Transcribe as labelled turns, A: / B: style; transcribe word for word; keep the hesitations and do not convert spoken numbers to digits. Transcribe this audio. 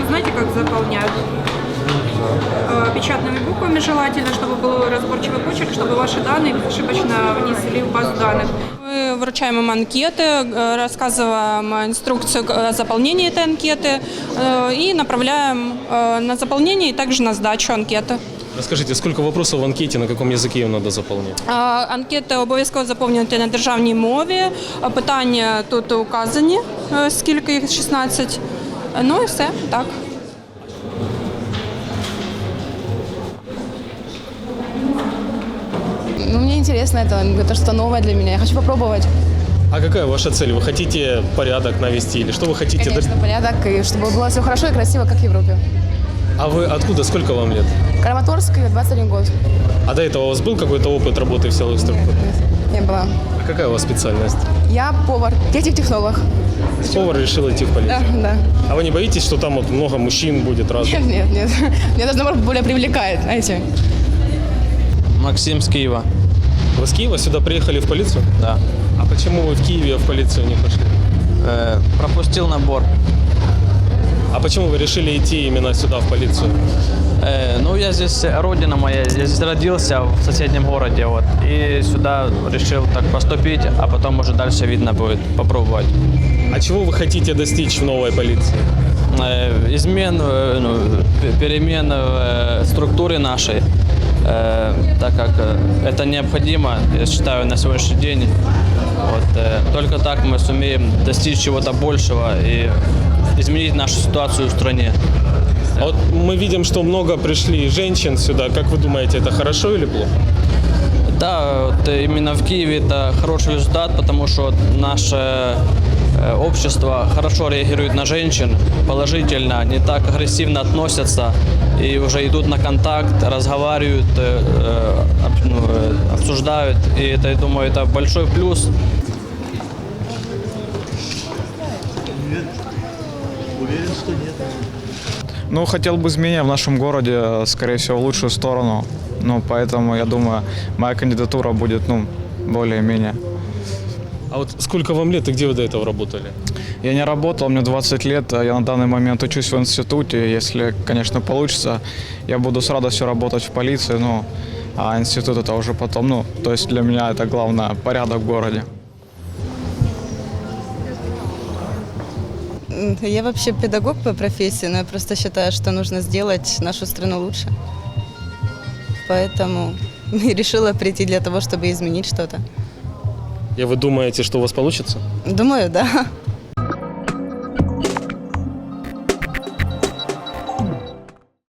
A: знаете, как заполнять? Печатными буквами желательно, чтобы был разборчивый почерк, чтобы ваши данные ошибочно внесли в базу данных. Мы вручаем им анкеты, рассказываем инструкцию о заполнении этой анкеты и направляем на заполнение и также на сдачу анкеты.
B: Расскажите, сколько вопросов в анкете, на каком языке ее надо заполнять?
A: Анкети обов'язково заповнювати на державній мові. Питання тут указані, скільки їх, шістнадцять. Ну і все, так.
C: Ну, мне интересно это, это что-то новое для меня, я хочу попробовать.
B: А какая ваша цель? Вы хотите порядок навести или что вы хотите?
C: Конечно, порядок, и чтобы было все хорошо и красиво, как в Европе.
B: А вы откуда? Сколько вам лет?
C: Краматорск, двадцать один год.
B: А до этого у вас был какой-то опыт работы в силовых
C: Нет,
B: структурах?
C: нет, не было.
B: А какая у вас специальность?
C: Я повар, техник-технолог.
B: Повар решил идти в полицию?
C: Да, да.
B: А вы не боитесь, что там вот много мужчин будет разных?
C: Нет, нет, нет. Меня даже, наоборот, более привлекает, знаете.
D: Максим с Киева.
B: Вы с Киева сюда приехали в полицию?
D: Да.
B: А почему вы в Киеве в полицию не пошли?
D: Э, пропустил набор.
B: А почему вы решили идти именно сюда, в полицию?
D: Э, ну, я здесь, родина моя, я здесь родился, в соседнем городе, вот. И сюда решил так поступить, а потом уже дальше видно будет, попробовать.
B: А чего вы хотите достичь в новой полиции?
D: Э, измен, э, ну, перемен в э, структуре нашей, э, так как э, это необходимо, я считаю, на сегодняшний день. Вот, э, только так мы сумеем достичь чего-то большего и изменить нашу ситуацию в стране.
B: А вот мы видим, что много пришли женщин сюда. Как вы думаете, это хорошо или плохо?
D: Да, вот именно в Киеве это хороший результат, потому что наше э, общество хорошо реагирует на женщин, положительно, не так агрессивно относятся и уже идут на контакт, разговаривают, э, э, ну, э, обсуждают. И это, я думаю, это большой плюс.
E: Уверен, что нет.
F: Ну, хотел бы изменения в нашем городе, скорее всего, в лучшую сторону. Ну, поэтому, я думаю, моя кандидатура будет, ну, более-менее.
B: А вот сколько вам лет и где вы до этого работали?
F: Я не работал, мне двадцать лет, я на данный момент учусь в институте. Если, конечно, получится, я буду с радостью работать в полиции, ну, а институт это уже потом, ну, то есть для меня это главное, порядок в городе.
G: Я вообще педагог по профессии, но я просто считаю, что нужно сделать нашу страну лучше. Поэтому и решила прийти для того, чтобы изменить что-то.
B: И вы думаете, что у вас получится?
G: Думаю, да.